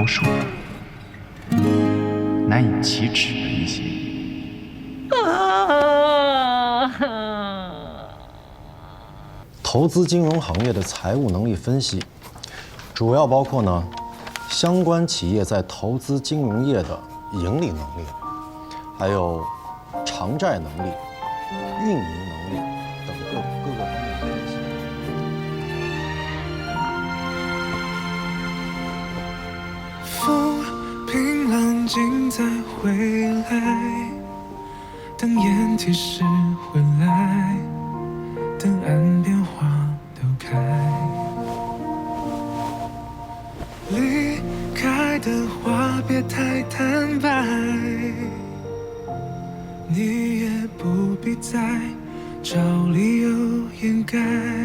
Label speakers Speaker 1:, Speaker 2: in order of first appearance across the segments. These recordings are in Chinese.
Speaker 1: 数难以启齿的一些。
Speaker 2: 投资金融行业的财务能力分析，主要包括呢，相关企业在投资金融业的盈利能力，还有偿债能力、运营能力等各个方面的分析。
Speaker 3: 风平浪静再回来，等烟提示回来，等岸边花都开。离开的话别太坦白，你也不必再找理由掩盖。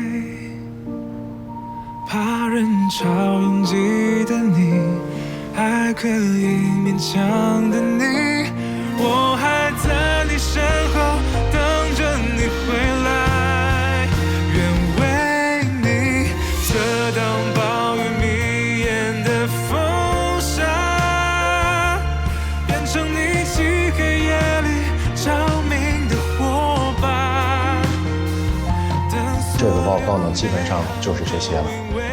Speaker 3: 怕人潮拥挤的你，还可以勉强的你，我还在你身后等着你回来，愿为你遮挡暴雨迷眼的风沙，变成你漆黑夜里照明的火把。
Speaker 2: 这个报告呢，基本上就是这些了。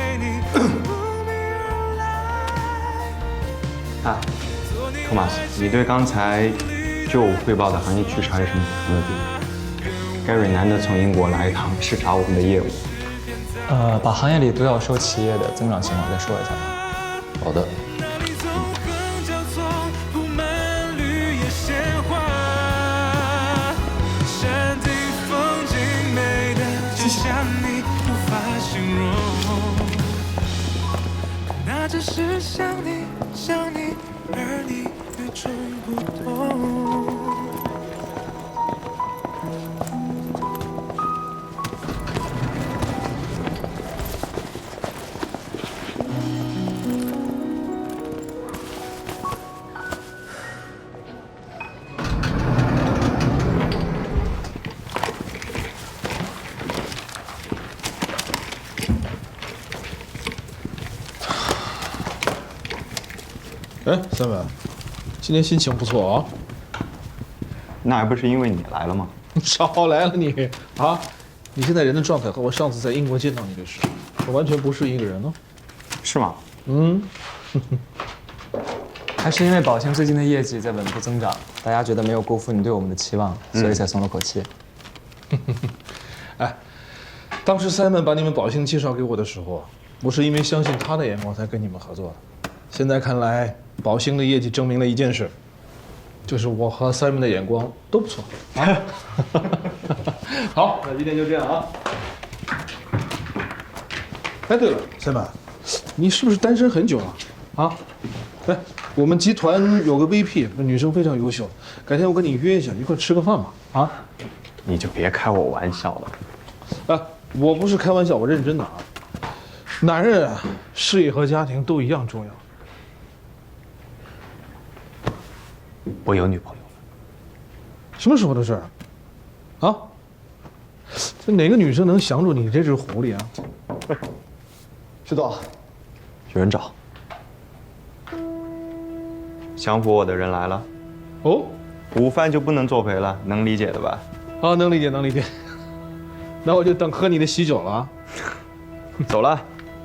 Speaker 4: 托马斯，你对刚才就我汇报的行业趋势还有什么补充的地方？Gary 难得从英国来一趟，视察我们的业务。
Speaker 5: 把行业里独角兽企业的增长情况再说一下吧。
Speaker 2: 好的。
Speaker 3: 那只是想你，想你，而你与众不同。
Speaker 6: 哎，三文，今天心情不错啊。
Speaker 4: 那还不是因为你来了吗？
Speaker 6: 少来了你啊！你现在人的状态和我上次在英国见到你的时候，完全不是一个人哦。
Speaker 4: 是吗？
Speaker 6: 嗯，
Speaker 5: 还是因为宝兴最近的业绩在稳步增长，大家觉得没有辜负你对我们的期望，所以才松了口气。
Speaker 6: 哎，当时 Simon 把你们宝兴介绍给我的时候，我是因为相信他的眼光才跟你们合作的。现在看来，宝兴的业绩证明了一件事，就是我和 Simon 的眼光都不错啊。好，那今天就这样啊。哎，对了，Simon，你是不是单身很久了啊？来，我们集团有个 VP， 那女生非常优秀，改天我跟你约一下，一块吃个饭吧。啊？
Speaker 4: 你就别开我玩笑了。
Speaker 6: 啊，我不是开玩笑，我认真的啊。男人啊，事业和家庭都一样重要。
Speaker 4: 我有女朋友了。
Speaker 6: 什么时候的事儿？啊？这哪个女生能降住你这只狐狸啊？
Speaker 2: 知道，有人找。
Speaker 4: 降服我的人来了。
Speaker 6: 哦，
Speaker 4: 午饭就不能作陪了，能理解的吧？
Speaker 6: 啊，能理解，能理解。那我就等喝你的喜酒了啊。
Speaker 4: 走了。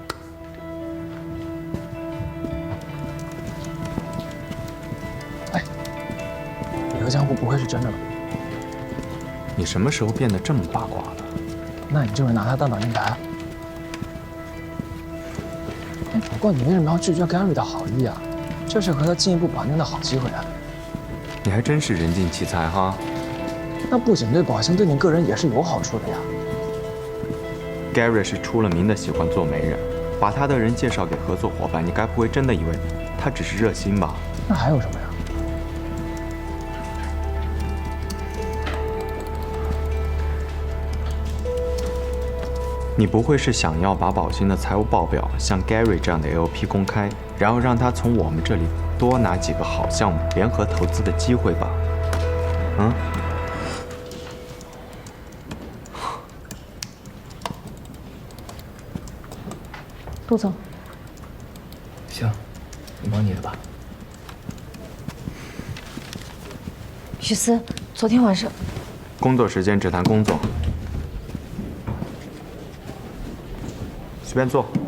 Speaker 5: 刘江湖不会是真的吧？
Speaker 4: 你什么时候变得这么八卦了？
Speaker 5: 那你就是拿他当挡箭牌。哎，不过你为什么要拒绝 Gary 的好意啊？这是和他进一步绑定的好机会啊！
Speaker 4: 你还真是人尽其才哈。
Speaker 5: 那不仅对宝兴，对你个人也是有好处的呀。
Speaker 4: Gary 是出了名的喜欢做媒人，把他的人介绍给合作伙伴，你该不会真的以为他只是热心吧？
Speaker 5: 那还有什么呀？
Speaker 4: 你不会是想要把宝兴的财务报表像 Gary 这样的 LP 公开，然后让他从我们这里多拿几个好项目联合投资的机会吧？嗯？
Speaker 5: 陆总，
Speaker 1: 行，
Speaker 5: 你忙你的吧。
Speaker 7: 许思，昨天晚上，
Speaker 4: 工作时间只谈工作，随便坐。